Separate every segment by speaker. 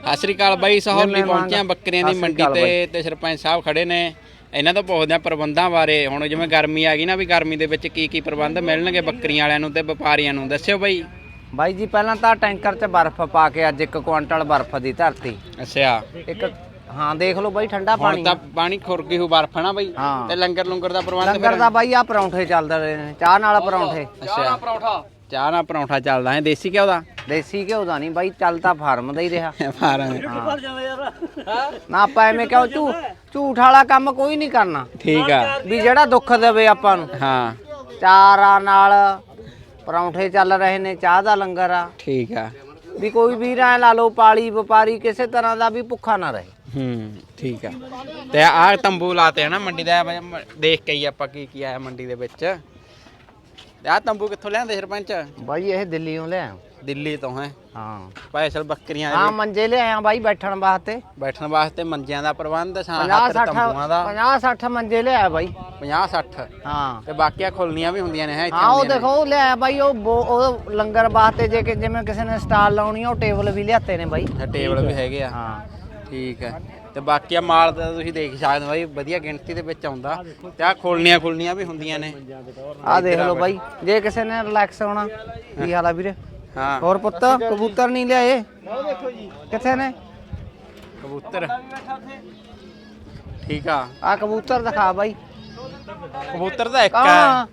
Speaker 1: ਸਤਿ ਸ੍ਰੀ ਅਕਾਲ ਬਾਈ। ਸਹੌਲੀ ਪਹੁੰਚਿਆ ਬੱਕਰੀਆਂ ਦੀ ਮੰਡੀ ਤੇ ਸਰਪੰਚ ਸਾਹਿਬ ਖੜੇ ਨੇ। ਇਹਨਾਂ ਤੋਂ ਪੁੱਛਦੇ ਆ ਪ੍ਰਬੰਧਾਂ ਬਾਰੇ। ਹੁਣ ਜਿਵੇਂ ਗਰਮੀ ਆ ਗਈ ਨਾ, ਵੀ ਗਰਮੀ ਦੇ ਵਿੱਚ ਕੀ ਪ੍ਰਬੰਧ ਮਿਲਣਗੇ ਬੱਕਰੀਆਂ ਵਾਲਿਆਂ ਨੂੰ ਤੇ ਵਪਾਰੀਆਂ ਨੂੰ, ਦੱਸਿਓ ਬਾਈ।
Speaker 2: ਬਾਈ ਜੀ ਪਹਿਲਾਂ ਤਾਂ ਟੈਂਕਰ 'ਚ ਬਰਫ਼ ਪਾ ਕੇ ਅੱਜ 1 ਕੁਆਂਟਲ ਬਰਫ਼ ਦੀ ਧਰਤੀ।
Speaker 1: ਅੱਛਾ।
Speaker 2: ਹਾਂ ਦੇਖ ਲਓ ਬਾਈ, ਠੰਡਾ ਪਾਣੀ।
Speaker 1: ਹੁਣ ਤਾਂ ਪਾਣੀ ਖੁਰ ਗਈ ਹੋ ਬਰਫ਼ ਨਾ ਬਾਈ। ਤੇ ਲੰਗਰ ਦਾ ਪ੍ਰਬੰਧ?
Speaker 2: ਲੰਗਰ ਦਾ ਬਾਈ ਆ ਪਰੌਂਠੇ ਚੱਲਦੇ ਰਹੇ ਨੇ, ਚਾਹ ਨਾਲ ਪਰੌਂਠੇ।
Speaker 1: ਅੱਛਾ, ਚਾਹ ਨਾਲ ਪਰੌਂਠਾ ਚੱਲਦਾ ਹੈ। ਦੇਸੀ ਘਿਓ ਦਾ?
Speaker 2: ਦੇਸੀ ਘਿਓ ਦਾ ਨਹੀਂ ਬਾਈ, ਚੱਲ ਤਾਂ ਫਾਰਮ ਦਾ ਹੀ ਰਿਹਾ।
Speaker 1: ਫਾਰਮ
Speaker 2: ਨਾ ਆਪਾਂ ਐਵੇਂ ਕਿਉਂ ਝੂਠ ਵਾਲਾ ਕੰਮ ਕੋਈ ਨਹੀਂ ਕਰਨਾ।
Speaker 1: ਠੀਕ ਆ,
Speaker 2: ਵੀ ਜਿਹੜਾ ਦੁੱਖ ਦੇਵੇ ਆਪਾਂ ਨੂੰ।
Speaker 1: ਹਾਂ,
Speaker 2: ਚਾਰਾਂ ਨਾਲ ਪਰੌਂਠੇ ਚੱਲ ਰਹੇ ਨੇ, ਚਾਹ ਦਾ ਲੰਗਰ ਆ।
Speaker 1: ਠੀਕ ਆ,
Speaker 2: ਵੀ ਕੋਈ ਵੀਰ ਐ ਲਾ ਲਓ ਪਾਲੀ ਵਪਾਰੀ ਕਿਸੇ ਤਰ੍ਹਾਂ ਦਾ ਵੀ ਭੁੱਖਾ ਨਾ ਰਹੇ।
Speaker 1: ਠੀਕ ਆ। ਤੇ ਆਹ ਤੰਬੂ ਲਾਤੇ ਹਨਾ ਮੰਡੀ ਦਾ, ਦੇਖ ਕੇ ਹੀ ਆਪਾਂ ਕੀ ਆਇਆ ਮੰਡੀ ਦੇ ਵਿੱਚ। ਤੇ ਆਹ ਤੰਬੂ ਕਿੱਥੋਂ ਲਿਆਂਦੇ ਸਰਪੰਚ?
Speaker 2: ਬਾਈ ਇਹ ਦਿੱਲੀੋਂ ਲਿਆ।
Speaker 1: ਦਿੱਲੀ ਤੋਂ ਹੈ?
Speaker 2: ਹਾਂ।
Speaker 1: ਸਪੈਸ਼ਲ ਬੱਕਰੀਆਂ
Speaker 2: ਹਾਂ ਮੰਜੇ ਲਿਆਇਆ ਬਾਈ ਬੈਠਣ ਵਾਸਤੇ।
Speaker 1: ਬੈਠਣ ਵਾਸਤੇ ਮੰਜਿਆਂ ਦਾ ਪ੍ਰਬੰਧ,
Speaker 2: 50-60 ਮੰਜੇ ਲਿਆਇਆ ਬਾਈ।
Speaker 1: 50-60? ਹਾਂ। ਤੇ ਬਾਕੀਆਂ ਖੁੱਲਣੀਆਂ ਵੀ ਹੁੰਦੀਆਂ ਨੇ?
Speaker 2: ਹਾਂ ਉਹ ਦੇਖੋ ਉਹ ਲਿਆਇਆ ਬਾਈ, ਉਹ ਲੰਗਰ ਵਾਸਤੇ ਜੇ ਜਿਵੇਂ ਕਿਸੇ ਨੇ ਸਟਾਲ ਲਾਉਣੀ ਉਹ ਟੇਬਲ ਵੀ ਲਿਆਤੇ ਨੇ ਬਾਈ।
Speaker 1: ਟੇਬਲ ਵੀ ਹੈਗੇ ਆ? ਹਾਂ ਠੀਕ ਹੈ। ਤੇ ਬਾਕੀ ਮਾਲ ਦਾ ਤੁਸੀਂ ਦੇਖ ਸਕਦੇ ਹੋ ਬਾਈ, ਵਧੀਆ ਗਿਣਤੀ ਦੇ ਵਿੱਚ ਆਉਂਦਾ। ਤੇ ਆਹ ਖੁੱਲਣੀਆਂ ਵੀ ਹੁੰਦੀਆਂ ਨੇ।
Speaker 2: ਆਹ ਦੇਖ ਲਓ ਬਾਈ, ਜੇ ਕਿਸੇ ਨੇ ਰਿਲੈਕਸ ਹੋਣਾ। ਕੀ ਹਾਲ ਆ ਵੀਰੇ? ਹਾਂ। ਹੋਰ ਪੁੱਤ ਕਬੂਤਰ ਨਹੀਂ ਲਿਆਏ? ਕਿੱਥੇ ਨੇ
Speaker 1: ਕਬੂਤਰ? ਠੀਕ ਆ।
Speaker 2: ਆ ਕਬੂਤਰ ਦਿਖਾ ਬਾਈ।
Speaker 1: ਕਬੂਤਰ ਤਾਂ ਇੱਕ ਆ।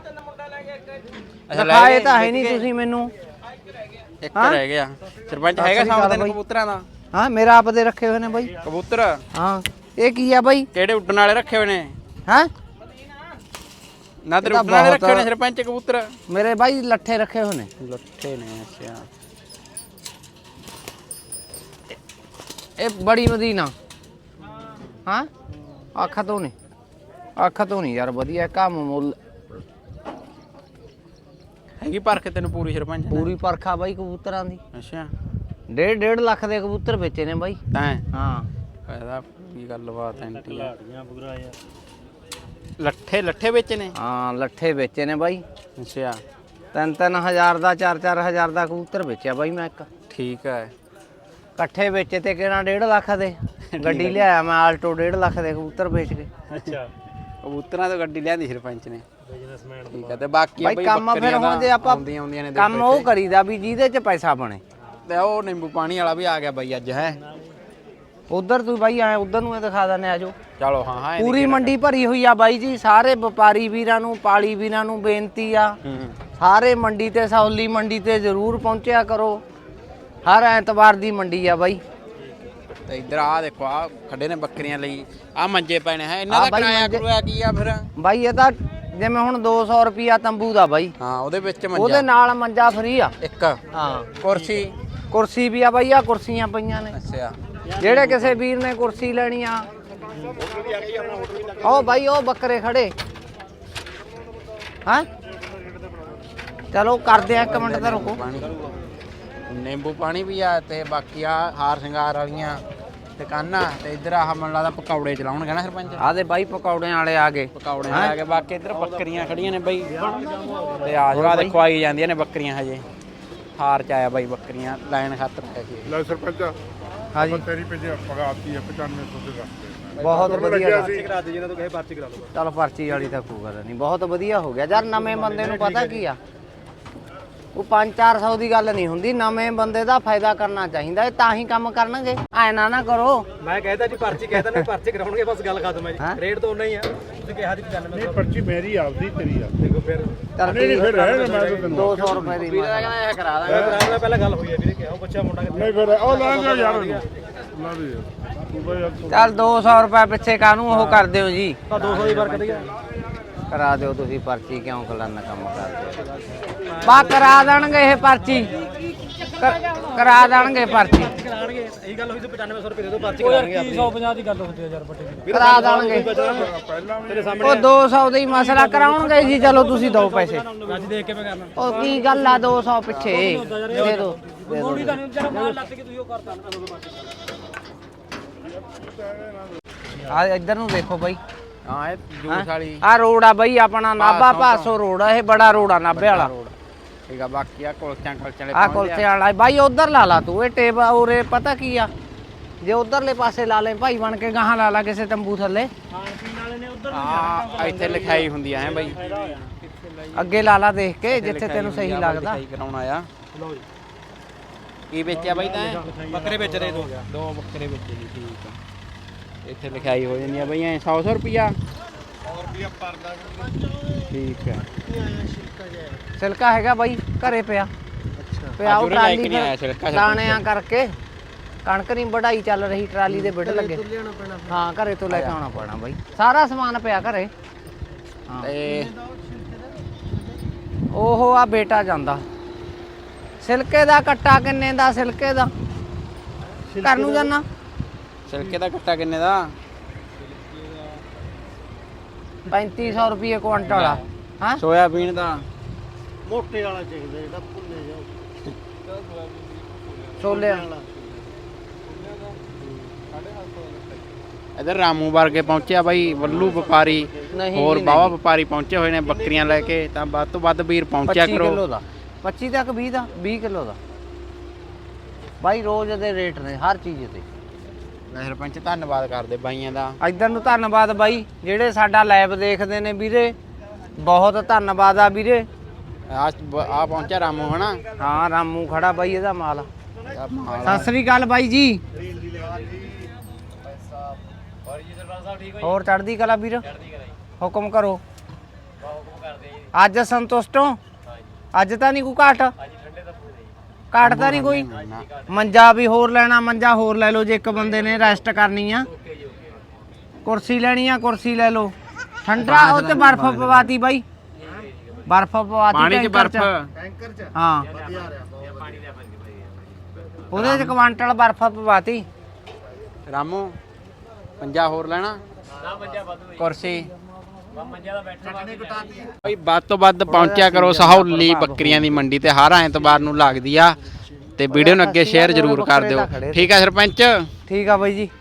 Speaker 2: ਦਿਖਾਏ ਤਾਂ ਹੈ ਨਹੀਂ ਤੁਸੀਂ ਮੈਨੂੰ।
Speaker 1: ਇੱਕ ਰਹਿ ਗਿਆ ਸਰਪੰਚ। ਹੈਗਾ ਸਾਹਮਣੇ ਕਬੂਤਰਾਂ ਦਾ?
Speaker 2: ਹਾਂ ਮੇਰਾ ਆਪ ਦੇ ਰੱਖੇ ਹੋਏ ਨੇ ਬਾਈ
Speaker 1: ਕਬੂਤਰ।
Speaker 2: ਹਾਂ। ਇਹ ਕੀ ਆ ਬਾਈ?
Speaker 1: ਕਿਹੜੇ ਉੱਡਣ ਵਾਲੇ ਰੱਖੇ ਹੋਏ ਨੇ?
Speaker 2: ਹਾਂ
Speaker 1: ਨਾ ਤੇ ਉੱਡਣ ਵਾਲੇ ਰੱਖੇ ਹੋਏ ਨੇ ਸਰਪੰਚ ਕਬੂਤਰ?
Speaker 2: ਮੇਰੇ ਬਾਈ ਲੱਠੇ ਰੱਖੇ ਹੋਏ ਨੇ।
Speaker 1: ਲੱਠੇ ਨੇ? ਅੱਛਾ।
Speaker 2: ਇਹ ਬੜੀ ਮਦੀਨਾ। ਹਾਂ ਅੱਖ ਤੋਂ ਨਹੀਂ ਯਾਰ, ਵਧੀਆ ਕੰਮ ਮੁੱਲ
Speaker 1: ਹੈਗੀ ਪਰਖ ਤੈਨੂੰ ਪੂਰੀ ਸਰਪੰਚ?
Speaker 2: ਪੂਰੀ ਪਰਖਾ ਬਾਈ ਕਬੂਤਰਾਂ ਦੀ।
Speaker 1: ਅੱਛਾ।
Speaker 2: 1.5 ਲੱਖ ਦੇ ਕਬੂਤਰ ਵੇਚੇ ਨੇ ਬਾਈ
Speaker 1: ਤੈਂ?
Speaker 2: ਹਾਂ।
Speaker 1: ਫਾਇਦਾ ਕੀ ਗੱਲਬਾਤ ਐ? ਲੱਠੇ ਵੇਚੇ ਨੇ?
Speaker 2: ਹਾਂ ਲੱਠੇ ਵੇਚੇ ਨੇ ਬਾਈ।
Speaker 1: ਅੱਛਾ।
Speaker 2: 3-3 ਦਾ 4-4 ਦਾ ਕਬੂਤਰ ਵੇਚਿਆ ਬਾਈ ਮੈਂ ਇੱਕ।
Speaker 1: ਠੀਕ ਹੈ।
Speaker 2: ਇਕੱਠੇ ਵੇਚੇ ਤੇ ਕਿਹੜਾ 1.5 ਲੱਖ ਦੇ। ਗੱਡੀ ਲਿਆਇਆ ਮੈਂ ਆਲਟੋ, 1.5 ਲੱਖ ਦੇ ਕਬੂਤਰ ਵੇਚ ਕੇ।
Speaker 1: ਅੱਛਾ। ਕਬੂਤਰਾਂ ਤੋਂ ਗੱਡੀ ਲਿਆਂਦੀ ਸਰਪੰਚ ਨੇ? ਠੀਕ ਹੈ। ਤੇ ਬਾਕੀ
Speaker 2: ਬਾਈ ਕੰਮ ਫਿਰ ਹੁਣ ਜੇ ਆਪਾਂ ਕੰਮ ਉਹ ਕਰੀਦਾ ਵੀ ਜਿਹਦੇ ਚ ਪੈਸਾ ਬਣੇ।
Speaker 1: ਤੇ ਉਹ ਨਿੰਬੂ ਪਾਣੀ ਵਾਲਾ ਵੀ ਆ ਗਿਆ ਬਾਈ ਅੱਜ। ਹੈ
Speaker 2: ਉਧਰ ਤੂੰ ਬਾਈ ਆਏ ਉਧਰ ਨੂੰ ਦਿਖਾ ਦਨੇ ਆਜੋ।
Speaker 1: ਚਲੋ। ਹਾਂ
Speaker 2: ਪੂਰੀ ਮੰਡੀ ਭਰੀ ਹੋਈ ਆ ਬਾਈ ਜੀ। ਸਾਰੇ ਵਪਾਰੀ ਵੀਰਾਂ ਨੂੰ, ਪਾਲੀ ਵੀਰਾਂ ਨੂੰ ਬੇਨਤੀ ਆ, ਸਾਰੇ ਮੰਡੀ ਤੇ ਸਹੌਲੀ ਮੰਡੀ ਤੇ ਜ਼ਰੂਰ ਪਹੁੰਚਿਆ ਕਰੋ। ਹਰ ਐਤਵਾਰ ਦੀ ਮੰਡੀ ਆ ਬਾਈ।
Speaker 1: ਤੇ ਇੱਧਰ ਆ ਦੇਖੋ, ਆ ਖੜੇ ਨੇ ਬੱਕਰੀਆਂ ਲਈ। ਆ ਮੰਜੇ ਪੈਣੇ ਹੈ, ਇਹਨਾਂ ਦਾ ਕਿਰਾਇਆ ਕਰੂਆ ਕੀ ਆ ਫਿਰ
Speaker 2: ਬਾਈ? ਇਹ ਤਾਂ ਜਿਵੇਂ ਹੁਣ 200 ਰੁਪਿਆ ਤੰਬੂ ਦਾ ਬਾਈ।
Speaker 1: ਹਾਂ ਉਹਦੇ ਵਿੱਚ ਮੰਜਾ,
Speaker 2: ਉਹਦੇ ਨਾਲ ਮੰਜਾ ਫਰੀ ਆ
Speaker 1: ਇੱਕ। ਹਾਂ।
Speaker 2: ਕੁਰਸੀ ਵੀ ਆ ਬਾਈ। ਆ ਕੁਰਸੀਆਂ ਪਈਆਂ ਨੇ।
Speaker 1: ਅੱਛਾ।
Speaker 2: ਜਿਹੜੇ ਕਿਸੇ ਵੀਰ ਨੇ ਕੁਰਸੀ ਲੈਣੀ ਆ ਉਹ ਬਾਈ ਉਹ ਬੱਕਰੇ ਖੜੇ। ਹਾਂ ਚਲੋ ਕਰਦੇ ਆ 1 ਮਿੰਟ ਤਾਂ ਰੁਕੋ।
Speaker 1: ਨਿੰਬੂ ਪਾਣੀ ਵੀ ਆ। ਤੇ ਬਾਕੀ ਆ ਹਾਰ ਸ਼ਿੰਗਾਰ ਵਾਲੀਆਂ ਦੁਕਾਨਾਂ। ਤੇ ਇੱਧਰ ਆਹ ਮੈਨੂੰ ਲੱਗਦਾ ਪਕੌੜੇ ਚਲਾਉਣਗੇ ਨਾ ਸਰਪੰਚ?
Speaker 2: ਆਹ ਦੇ ਬਾਈ ਪਕੌੜਿਆਂ ਵਾਲੇ ਆ ਗਏ।
Speaker 1: ਆ ਗਏ। ਬਾਕੀ ਇੱਧਰ ਬੱਕਰੀਆਂ ਖੜੀਆਂ ਨੇ ਬਾਈ। ਤੇ ਆ ਜਾ ਦੇਖੋ ਆਈ ਜਾਂਦੀਆਂ ਨੇ ਬੱਕਰੀਆਂ। ਹਜੇ ਹਾਰ ਚ ਆਇਆ ਬਾਈ ਬੱਕਰੀਆਂ ਲਾਈਨ ਖਾਤਰ ਪੈਸੇ।
Speaker 3: ਲੈ ਸਰਪੰਚ
Speaker 2: ਹਾਂਜੀ
Speaker 3: ਤੇਰੀ ਪੈਸੇ ਪਗਾਤੀ ਹੈ 9500 ਦੇ ਰਸਤੇ।
Speaker 2: ਬਹੁਤ ਵਧੀਆ
Speaker 3: ਕਰਾ ਦੇ ਜਿਹਨਾਂ ਤੋਂ ਕਹੇ ਪਰਚੀ ਕਰਾ ਲਓ।
Speaker 2: ਚਲੋ ਪਰਚੀ ਵਾਲੀ ਤਾਂ ਕੋਈ ਗੱਲ ਨਹੀਂ, ਬਹੁਤ ਵਧੀਆ ਹੋ ਗਿਆ ਯਾਰ। ਨਵੇਂ ਬੰਦੇ ਨੂੰ ਪਤਾ ਕੀ ਆ, ਉਹ 500-400 ਦੀ ਗੱਲ ਨਹੀਂ ਹੁੰਦੀ। ਨਵੇਂ ਬੰਦੇ ਦਾ ਫਾਇਦਾ ਕਰਨਾ ਚਾਹੀਦਾ। ਇਹ ਤਾਂ ਹੀ ਕੰਮ ਕਰਨਗੇ। ਐ ਨਾ ਕਰੋ।
Speaker 4: ਮੈਂ ਕਹਿੰਦਾ ਜੀ ਪਰਚੀ ਕਹਿੰਦਾ ਨੇ ਪਰਚੀ ਕਰਾਉਣਗੇ, ਬਸ ਗੱਲ ਖਤਮ ਹੈ ਜੀ। ਰੇਟ ਤਾਂ ਉਨਾ ਹੀ ਆ। ਤੁਸੀਂ ਕਿਹਾ ਜੀ 95।
Speaker 3: ਨਹੀਂ ਪਰਚੀ ਮੇਰੀ ਆਪਦੀ, ਤੇਰੀ ਆ।
Speaker 4: ਦੇਖੋ ਫਿਰ
Speaker 3: ਨਹੀਂ ਫਿਰ ਰਹਿਣ ਮੈਂ ਤਾਂ ਤੈਨੂੰ
Speaker 2: 200 ਰੁਪਏ ਦੀ
Speaker 1: ਕਹਿੰਦਾ ਇਹ ਕਰਾ ਦਾਂਗੇ।
Speaker 4: ਕਰਾਉਣ ਨਾਲ ਪਹਿਲਾਂ ਗੱਲ ਹੋਈ ਹੈ ਵੀਰੇ, ਕਿਹਾ ਉਹ ਬੱਚਾ ਮੁੰਡਾ ਕਿੱਥੇ?
Speaker 3: ਨਹੀਂ ਫਿਰ ਉਹ ਲਾਂਗਾ ਯਾਰ ਲਾ ਦੇ ਤੂੰ ਬਾਈ।
Speaker 2: ਚੱਲ 200 ਰੁਪਏ ਪਿੱਛੇ ਕਾਹਨੂੰ ਉਹ ਕਰਦੇ ਹੋ ਜੀ?
Speaker 4: ਤਾਂ 200 ਦੀ ਬਰਕਤ ਹੀ ਆ।
Speaker 2: ਕਰਾ ਦਿਓ ਤੁਸੀਂ ਪਰਚੀ, ਕਿਉਂ ਕਲਨ ਕੰਮ ਕਰਦੇ ਹੋ? ਬਾ ਕਰਾ ਦੇਣਗੇ ਇਹ ਪਰਚੀ, ਕਰਾ ਦੇਣਗੇ ਪਰਚੀ।
Speaker 4: ਕਰਾਣਗੇ ਇਹੀ ਗੱਲ ਹੋਈ ਸੀ 9500 ਰੁਪਏ ਦੇ ਦੋ ਪਰਚੀ ਕਰਾਣਗੇ। ਆਪਣੀ 150 ਦੀ ਗੱਲ ਹੁੰਦੀ ਹੈ ਯਾਰ ਵੱਡੇ
Speaker 2: ਕਰਾ ਦੇਣਗੇ।
Speaker 4: ਤੇਰੇ ਸਾਹਮਣੇ
Speaker 2: ਉਹ 200 ਦਾ ਹੀ ਮਸਲਾ ਕਰਾਉਣਗੇ ਜੀ। ਚਲੋ ਤੁਸੀਂ ਦਿਓ ਪੈਸੇ।
Speaker 4: ਅੱਜ ਦੇਖ ਕੇ ਮੈਂ ਕਰਨਾ।
Speaker 2: ਉਹ ਕੀ ਗੱਲ ਆ 200 ਪਿੱਛੇ ਦੇ ਦਿਓ।
Speaker 4: ਮੋੜੀ ਤਾਂ ਨਹੀਂ ਜਿਹੜਾ ਮਾਲ ਲੱਤ ਕੇ ਤੁਸੀਂ ਉਹ ਕਰਤਾ ਨਾ।
Speaker 2: ਆ ਇੱਧਰ ਨੂੰ ਦੇਖੋ ਬਾਈ।
Speaker 1: ਹਾਂ ਇਹ ਜੂਸ ਵਾਲੀ
Speaker 2: ਆ ਰੋਡ ਆ ਬਾਈ ਆਪਣਾ ਨਾਭਾ ਭਾਸੋ ਰੋਡ ਆ। ਇਹ ਬੜਾ ਰੋਡ ਆ ਨਾਭੇ ਵਾਲਾ।
Speaker 1: ਠੀਕ ਆ ਬਾਕੀ ਆ ਕੁਲਚਿਆਂ ਵਾਲੇ
Speaker 2: ਆ ਕੁਲਚੇ ਵਾਲਾ ਬਾਈ ਉਧਰ ਲਾ ਲਾ ਤੂੰ ਇਹ ਟੇਬ ਉਰੇ ਪਤਾ ਕੀ ਆ ਜੇ ਉਧਰਲੇ ਪਾਸੇ ਲਾ ਲੈ ਭਾਈ ਬਣ ਕੇ ਗਾਹਾਂ ਲਾ ਲਾ ਕਿਸੇ ਤੰਬੂ ਥੱਲੇ
Speaker 1: ਆ ਇੱਥੇ ਲਿਖਾਈ ਹੁੰਦੀ ਆ ਹੈ ਬਾਈ
Speaker 2: ਅੱਗੇ ਲਾ ਲਾ ਦੇਖ ਕੇ ਜਿੱਥੇ ਤੈਨੂੰ ਸਹੀ ਲੱਗਦਾ
Speaker 1: ਲਿਖਾਈ ਕਰਾਉਣਾ ਆ ਕੀ ਵੇਚਿਆ ਬਾਈ ਤਾਂ
Speaker 4: ਬੱਕਰੇ ਵੇਚ ਰਹੇ
Speaker 1: ਦੋ ਬੱਕਰੇ ਵੇਚੇ ਜੀ ਠੀਕ ਆ ਇੱਥੇ ਲਿਖਾਈ ਹੋ ਜਾਂਦੀ ਆ ਬਈ ਐ 100 ਰੁਪਿਆ ਠੀਕ ਹੈ
Speaker 2: ਸਿਲਕਾ ਹੈਗਾ ਬਾਈ ਘਰੇ ਪਿਆ ਪਿਆ ਉਹ ਟਰਾਲੀ ਦਾਣਿਆਂ ਕਰਕੇ ਕਣਕ ਨਹੀਂ ਵਢਾਈ ਚੱਲ ਰਹੀ ਟਰਾਲੀ ਦੇ ਬਿੱਡ ਲੱਗੇ ਹਾਂ ਘਰੇ ਤੋਂ ਲੈ ਕੇ ਆਉਣਾ ਪੈਣਾ ਬਾਈ ਸਾਰਾ ਸਮਾਨ ਪਿਆ ਘਰੇ
Speaker 1: ਤੇ
Speaker 2: ਉਹ ਆ ਬੇਟਾ ਜਾਂਦਾ ਸਿਲਕੇ ਦਾ ਕੱਟਾ ਕਿੰਨੇ ਦਾ ਸਿਲਕੇ ਦਾ ਘਰ ਨੂੰ ਜਾਣਾ
Speaker 1: ਸਿਲਕੇ ਦਾ ਕੱਟਾ ਕਿੰਨੇ ਦਾ
Speaker 2: 3500 ਰੁਪਏ ਕੁਆਂਟਲ ਆ ਹਾਂ
Speaker 1: ਸੋਇਆਬੀਨ ਦਾ
Speaker 3: ਮੋਟੇ ਵਾਲਾ ਚਾਹੀਦਾ ਜਿਹੜਾ ਭੁੱਲੇ ਜਾਓ
Speaker 2: ਛੋਲੇ
Speaker 1: ਇਧਰ ਰਾਮੂ ਵਰਗੇ ਪਹੁੰਚਿਆ ਬਾਈ ਵੱਲੂ ਵਪਾਰੀ
Speaker 2: ਨਹੀਂ
Speaker 1: ਹੋਰ
Speaker 2: ਜੀ,
Speaker 1: ਬਾਵਾ
Speaker 2: ਨਹੀਂ।
Speaker 1: ਵਪਾਰੀ ਪਹੁੰਚੇ ਹੋਏ ਨੇ ਬੱਕਰੀਆਂ ਲੈ ਕੇ ਤਾਂ ਵੱਧ ਤੋਂ ਵੱਧ ਵੀਰ ਪਹੁੰਚਿਆ
Speaker 2: 25
Speaker 1: ਕਰੋ
Speaker 2: ਕਿਲੋ ਦਾ 25 ਤੱਕ 20 ਦਾ 20 ਕਿਲੋ ਦਾ ਬਾਈ ਰੋਜ਼ ਦੇ ਰੇਟ ਨੇ ਹਰ ਚੀਜ਼ ਤੇ
Speaker 1: ਸਰਪੰਚ ਧੰਨਵਾਦ ਕਰਦੇ ਬਾਈਆਂ ਦਾ
Speaker 2: ਇੱਧਰ ਨੂੰ ਧੰਨਵਾਦ ਬਾਈ ਜਿਹੜੇ ਸਾਡਾ ਲਾਈਵ ਦੇਖਦੇ ਨੇ ਵੀਰੇ ਬਹੁਤ ਧੰਨਵਾਦ ਆ ਵੀਰੇ
Speaker 1: ਆ ਪਹੁੰਚਿਆ ਰਾਮੂ ਹਨਾ
Speaker 2: ਹਾਂ ਰਾਮੂ ਖੜਾ ਬਾਈ ਇਹਦਾ ਮਾਲ
Speaker 1: ਆਹ ਮਾਲ ਆ।
Speaker 2: ਸਤਿ ਸ੍ਰੀ ਅਕਾਲ ਬਾਈ ਜੀ ਹੋਰ ਚੜ੍ਹਦੀ ਕਲਾ ਵੀਰ ਹੁਕਮ ਕਰੋ ਅੱਜ ਸੰਤੁਸ਼ਟ ਹੋ ਅੱਜ ਤਾਂ ਨਹੀਂ ਕੋਈ ਘਾਟ ਘਾਟ ਤਾਂ ਨਹੀਂ ਕੋਈ ਮੰਜਾ ਵੀ ਹੋਰ ਲੈਣਾ ਮੰਜਾ ਹੋਰ ਲੈ ਲਓ ਜੇ ਇੱਕ ਬੰਦੇ ਨੇ ਰੈਸਟ ਕਰਨੀ ਆ ਕੁਰਸੀ ਲੈਣੀ ਆ ਕੁਰਸੀ ਲੈ ਲਓ ਠੰਡਾ ਉਹ ਤੇ ਬਰਫ਼ ਪਵਾਤੀ ਬਾਈ ਬਰਫ਼ ਪਵਾਤੀ
Speaker 1: ਪਾਣੀ 'ਚ ਬਰਫ਼
Speaker 2: ਹਾਂ ਉਹਦੇ 'ਚ ਕੁਆਂਟਲ ਬਰਫ਼ ਪਵਾਤੀ
Speaker 1: ਰਾਮੂ ਪੰਜਾ ਹੋਰ ਲੈਣਾ ਕੁਰਸੀ ਭਾਈ ਵੱਧ ਤੋਂ ਵੱਧ ਪਹੁੰਚਿਆ ਕਰੋ ਸਹੌਲੀ ਬੱਕਰੀਆਂ ਦੀ ਮੰਡੀ ਤੇ ਹਰ ਐਤਵਾਰ ਨੂੰ ਲੱਗਦੀ ਆ ਤੇ ਵੀਡੀਓ ਨੂੰ ਅੱਗੇ ਸ਼ੇਅਰ ਜ਼ਰੂਰ ਕਰ ਦਿਓ ਠੀਕ ਆ ਸਰਪੰਚ
Speaker 2: ਠੀਕ ਆ ਬਾਈ ਜੀ